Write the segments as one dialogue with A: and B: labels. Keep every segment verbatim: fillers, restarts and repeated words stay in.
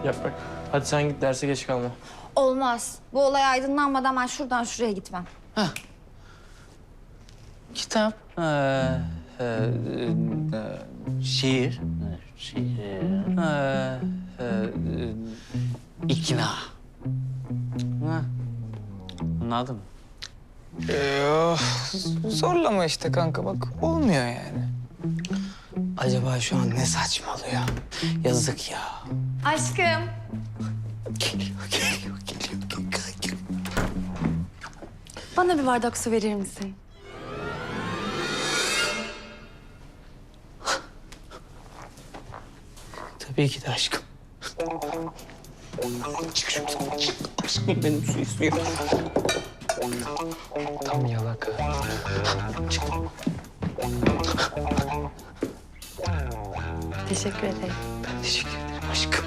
A: Yaprak, hadi sen git derse geç kalma.
B: Olmaz. Bu olay aydınlanmadan ben şuradan şuraya gitmem.
C: Hah. Kitap, ee, ee, ee, şiir, şiir, ee, ee, ikna. Ha. Anladın mı?
D: Ee, zorlama işte kanka bak olmuyor yani. Acaba şu an ne saçmalıyor? Yazık ya.
B: Aşkım.
D: Geliyor, geliyor, geliyor, geliyor.
E: Bana bir bardak su verir misin?
D: Tabii ki de aşkım. Çık şuradan, çık. Aşkım benim su istiyor. Tam yalaka. Çık.
E: Teşekkür ederim.
D: Ben teşekkür ederim aşkım.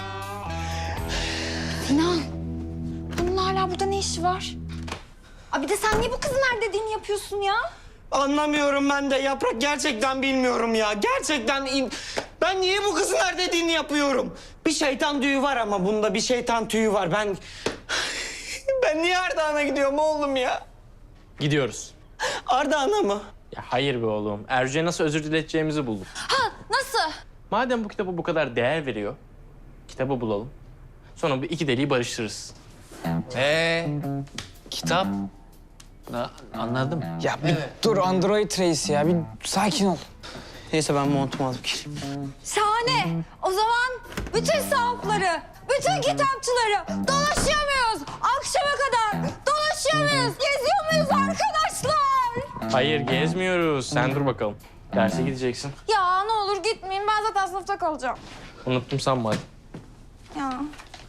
B: Sinan. Bunun hala burada ne işi var? Aa, bir de sen niye bu kızın her dediğini yapıyorsun ya?
F: Anlamıyorum ben de Yaprak. Gerçekten bilmiyorum ya. Gerçekten in... Ben niye bu kızın her dediğini yapıyorum? Bir şeytan tüyü var ama bunda bir şeytan tüyü var. Ben... Ben niye Ardahan'a gidiyorum oğlum ya?
A: Gidiyoruz.
F: Ardahan'a mı?
A: Ya hayır be oğlum. Ercü'ye nasıl özür dileteceğimizi buldum.
B: Ha, nasıl?
A: Madem bu kitaba bu kadar değer veriyor, kitabı bulalım. Sonra bu iki deliği barıştırırız.
C: Ee, kitap. Na, anladım.
D: Ya bir dur Android reis ya. Bir sakin ol. Neyse ben montumu alıp geleyim.
B: Şahane. O zaman bütün sahafları, bütün kitapçıları dolaşıyor muyuz? Akşama kadar dolaşıyor muyuz? Geziyor muyuz arkadaşlar?
A: Hayır, gezmiyoruz. Sen dur bakalım. Derse gideceksin.
B: Ya ne olur gitmeyin. Ben zaten sınıfta kalacağım.
A: Unuttum sanma hadi.
B: Ya.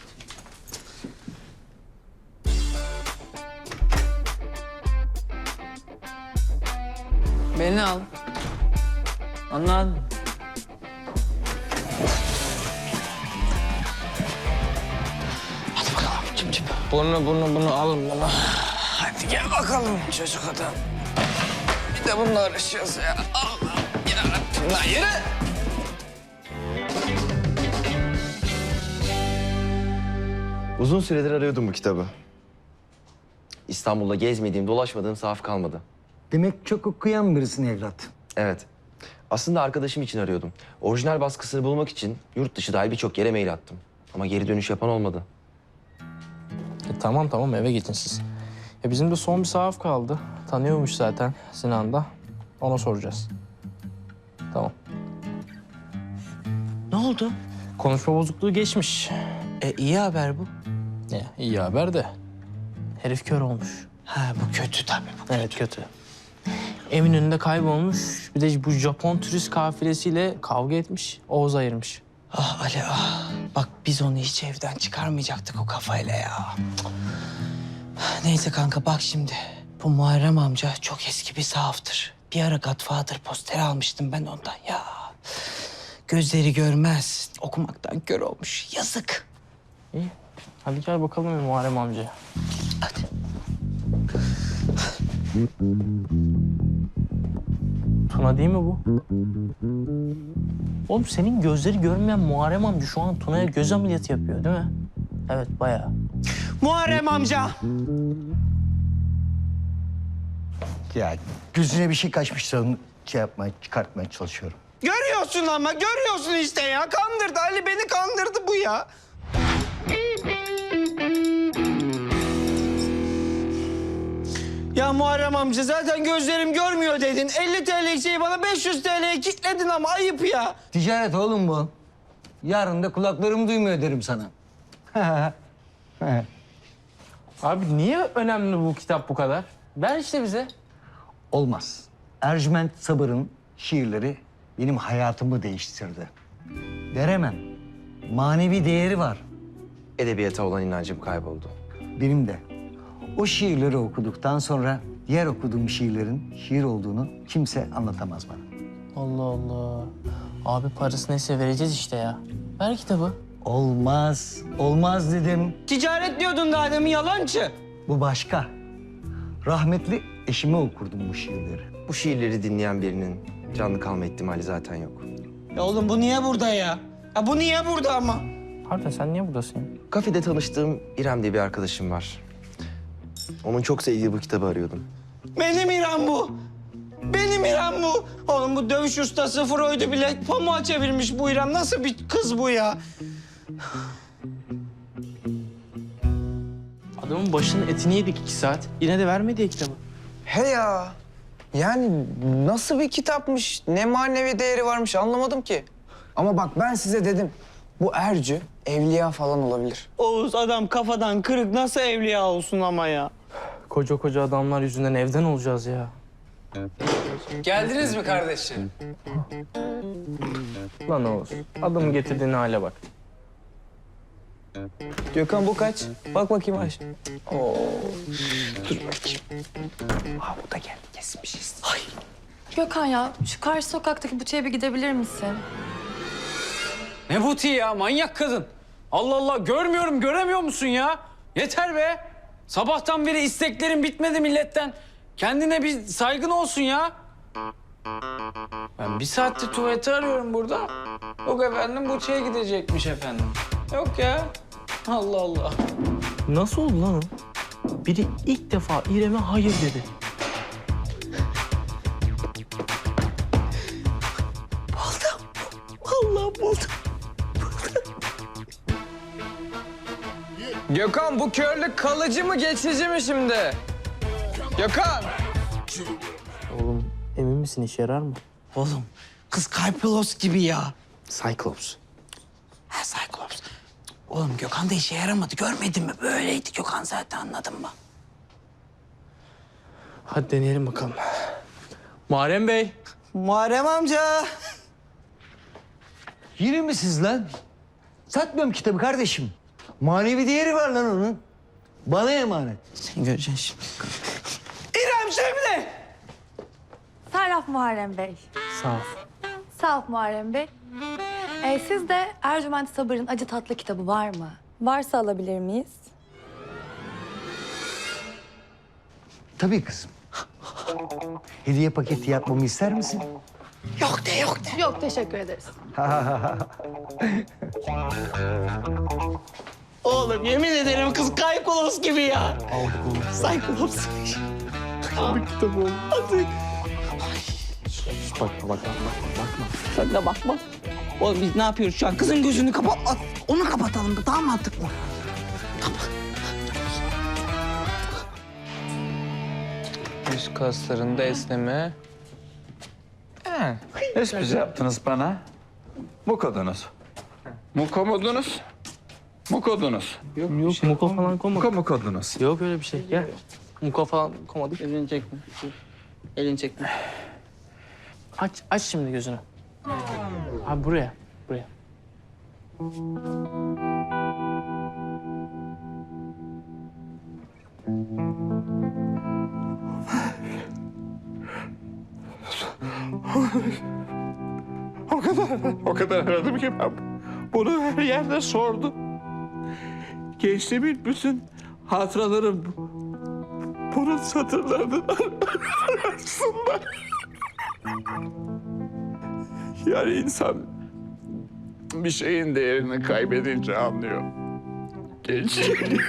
D: Beni al.
C: Anladım.
D: Hadi bakalım cim cim. Bunu bunu bunu alın bunu. Hadi gel bakalım çocuk adam. Bir de bununla uğraşıyoruz ya. Allah'ım yarabbim lan yürü.
G: Uzun süredir arıyordum bu kitabı. İstanbul'da gezmediğim, dolaşmadığım sahaf kalmadı.
H: Demek çok okuyan birisin evlat.
G: Evet. Aslında arkadaşım için arıyordum. Orijinal baskısını bulmak için yurt dışı dahil birçok yere mail attım. Ama geri dönüş yapan olmadı.
A: E, tamam tamam eve gidin siz. E, bizim de son bir sahaf kaldı. Tanıyormuş zaten Sinan da. Ona soracağız. Tamam.
D: Ne oldu?
A: Konuşma bozukluğu geçmiş.
D: E iyi haber bu.
A: Ya, iyi haber de. Herif kör olmuş.
D: Ha bu kötü tabii bu.
A: Evet kötü. Eminönü'nde kaybolmuş. Bir de bu Japon turist kafilesiyle kavga etmiş. Oğuz ayırmış.
D: Ah Ali ah. Bak biz onu hiç evden çıkarmayacaktık o kafayla ya. Neyse kanka bak şimdi. Bu Muharrem amca çok eski bir sahaftır. Bir ara Godfather posteri almıştım ben ondan ya. Gözleri görmez. Okumaktan kör olmuş. Yazık.
A: İyi. Hadi gel bakalım bir Muharrem amcaya.
D: Hadi.
A: Tuna değil mi bu? Oğlum senin gözleri görmeyen Muharrem amca şu an Tuna'ya göz ameliyatı yapıyor değil mi? Evet bayağı.
F: Muharrem amca.
H: Ya gözüne bir şey kaçmışsa onu şey yapmaya, çıkartmaya çalışıyorum.
F: Görüyorsun ama görüyorsun işte ya. Kandırdı Ali beni kandırdı bu ya. Ya Muharrem amca zaten gözlerim görmüyor dedin. elli TL'lik şeyi bana beş yüz TL'ye kilitledin ama ayıp ya.
H: Ticaret oğlum bu. Yarın da kulaklarım duymuyor derim sana.
A: Abi niye önemli bu kitap bu kadar? Ver işte bize.
H: Olmaz. Ercüment Sabır'ın şiirleri benim hayatımı değiştirdi. Veremem. Manevi değeri var.
G: Edebiyata olan inancım kayboldu.
H: Benim de. O şiirleri okuduktan sonra diğer okuduğum şiirlerin şiir olduğunu kimse anlatamaz bana.
A: Allah Allah. Abi parası neyse vereceğiz işte ya. Ver kitabı.
H: Olmaz. Olmaz dedim.
F: Ticaret diyordun daha demin yalancı.
H: Bu başka. Rahmetli eşime okurdum bu şiirleri.
G: Bu şiirleri dinleyen birinin canlı kalma ihtimali zaten yok.
F: Ya oğlum bu niye burada ya? Ya bu niye burada ama?
A: Harbiden sen niye buradasın ya?
G: Kafede tanıştığım İrem diye bir arkadaşım var. Onun çok sevdiği bu kitabı arıyordum.
F: Benim İrem bu. Benim İrem bu. Oğlum bu dövüş ustası Freud'u bile pamuğa çevirmiş bu İrem. Nasıl bir kız bu ya?
A: Adamın başının etini yedik iki saat. Yine de vermedi ya kitabı.
D: He ya. Yani nasıl bir kitapmış, ne manevi değeri varmış anlamadım ki. Ama bak ben size dedim, bu Ercü evliya falan olabilir.
F: Oğuz adam kafadan kırık nasıl evliya olsun ama ya?
A: Koca koca adamlar yüzünden evden olacağız ya.
D: Geldiniz mi kardeşim?
A: Lan Oğuz, adamın getirdiğin hale bak.
D: Gökhan bu kaç? Bak bakayım Ayşe. Oo. Dur bakayım. Ha bu da geldi kesmişiz. Ay.
E: Gökhan ya şu karşı sokaktaki butiğe bir gidebilir misin?
C: Ne butiği ya manyak kadın. Allah Allah görmüyorum göremiyor musun ya? Yeter be. Sabahtan beri isteklerim bitmedi milletten. Kendine bir saygın olsun ya. Ben bir saattir tuvaleti arıyorum burada. Yok efendim butiğe gidecekmiş efendim. Yok ya. Allah Allah.
A: Nasıl oldu lan o? Biri ilk defa İrem'e hayır dedi.
D: Gökhan bu körlük kalıcı mı geçici mi şimdi? Gökhan.
A: Oğlum emin misin işe yarar mı?
F: Oğlum kız Kalplos gibi ya.
A: Cyclops.
F: Ha Cyclops. Oğlum Gökhan da işe yaramadı. Görmedin mi? Böyleydi Gökhan zaten anladın mı?
A: Hadi deneyelim bakalım. Muharrem Bey.
F: Muharrem amca.
H: Yine mi siz lan? Satmıyorum kitabı kardeşim. Manevi değeri var lan onun. Bana emanet.
F: Sen göreceksin şimdi. İrem Şemle.
E: Sarraf Muharrem Bey.
A: Sağ ol.
E: Sağ ol Muharrem Bey. Ee, sizde Ercüment Sabır'ın Acı Tatlı kitabı var mı? Varsa alabilir miyiz?
H: Tabii kızım. Hediye paketi yapmamı ister misin?
F: Yok de yok de.
E: Yok teşekkür ederiz.
F: Oğlum yemin ederim kız Kalplos gibi ya. Cyclops. Aldık kitabı oğlum. Aldık.
A: Bakma bakma bakma bakma.
F: Sen de bakma. Oğlum biz ne yapıyoruz şu an? Kızın gözünü kapat. Onu kapatalım da daha mantıklı.
D: Üst kaslarında esneme.
I: He, espri yaptınız bana. Mukodunuz. Mukomudunuz. Mukodunuz.
A: Yok, Yok muko falan koymadık.
I: Muko mukodunuz.
A: Yok öyle bir şey. Gel. Muko falan koymadık.
F: Elini çekme. Elini çekme.
A: Aç, aç şimdi gözünü. Abi buraya, buraya.
I: O kadar, o kadar aradım ki ben bunu her yerde sordum. Gençliğimin bütün hatıralarım bunun satırlarının arasında. Yani insan bir şeyin değerini kaybedince anlıyor. Gençliğini.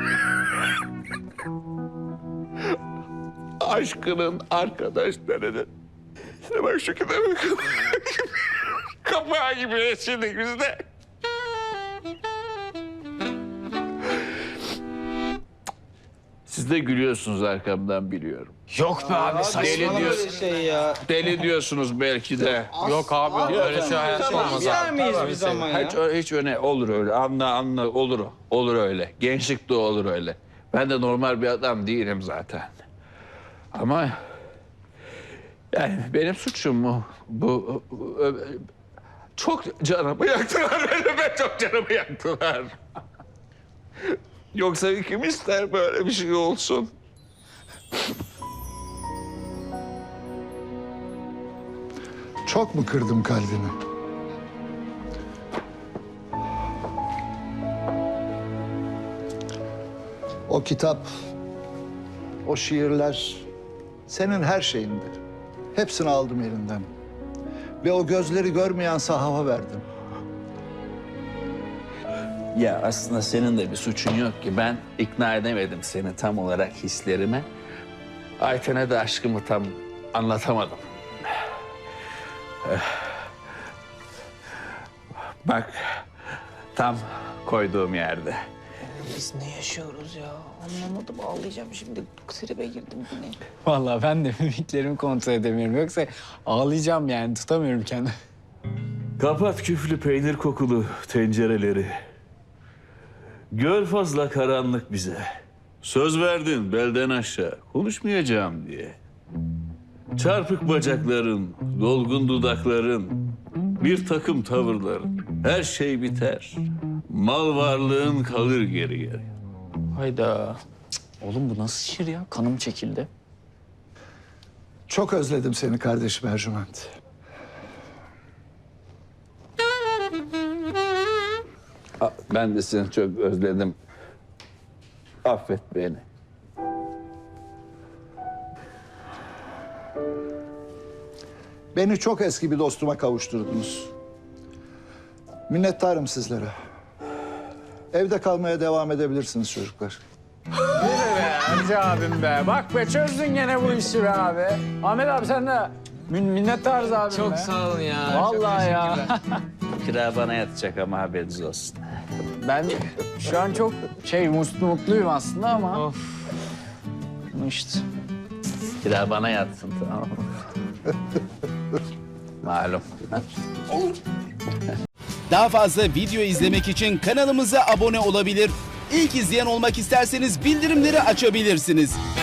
I: Aşkının, arkadaşlarının. İşte bak şu kitabın kapağı gibi yaşadık biz de. Siz de gülüyorsunuz arkamdan biliyorum.
C: Yok be abi
I: Deli diyorsun.
F: Şey ya.
I: Deli diyorsunuz belki de.
C: Yok abi öyle şey hayatta olmaz
F: Yer
C: abi.
F: miyiz biz ama ya?
I: Hiç, hiç öne olur öyle. Anla anla olur. Olur öyle. Gençlik de olur öyle. Ben de normal bir adam değilim zaten. Ama yani benim suçum mu? Bu, bu çok canımı yaktılar benim. Ben çok canımı yaktılar. Yoksa kim ister böyle bir şey olsun?
J: Çok mu kırdım kalbini? O kitap, o şiirler senin her şeyindi. Hepsini aldım elinden. Ve o gözleri görmeyen sahafa verdim.
I: Ya aslında senin de bir suçun yok ki. Ben ikna edemedim seni tam olarak hislerime. Ayten'e de aşkımı tam anlatamadım. Eh. Bak, tam koyduğum yerde.
D: Biz ne yaşıyoruz ya? Anlamadım, ağlayacağım şimdi. Tribe girdim yine.
C: Vallahi ben de mimiklerimi kontrol edemiyorum. Yoksa ağlayacağım yani, tutamıyorum kendimi.
K: Kapat küflü peynir kokulu tencereleri. Gör fazla karanlık bize. Söz verdin belden aşağı konuşmayacağım diye. Çarpık bacakların, dolgun dudakların, bir takım tavırların. Her şey biter. Mal varlığın kalır geriye.
C: Hayda. Cık, oğlum bu nasıl şiir ya? Kanım çekildi.
J: Çok özledim seni kardeşim Ercüment.
I: Aa, ben de seni çok özledim. Affet beni.
J: Beni çok eski bir dostuma kavuşturdunuz. Minnettarım sizlere. Evde kalmaya devam edebilirsiniz çocuklar.
C: Hacı abim be. Bak be, çözdün gene bu işi be abi. Ahmet abi sen de min minnettarız abim
D: Çok
C: be.
D: sağ olun ya.
C: Vallahi ya.
I: Kira bana yatacak ama haberiniz olsun.
C: Ben şu an çok şey mutlu mutluyum aslında ama.
D: Of.
C: İşte.
I: Kira bana yatsın, tamam mı? Malum.
L: Daha fazla video izlemek için kanalımıza abone olabilir. İlk izleyen olmak isterseniz bildirimleri açabilirsiniz.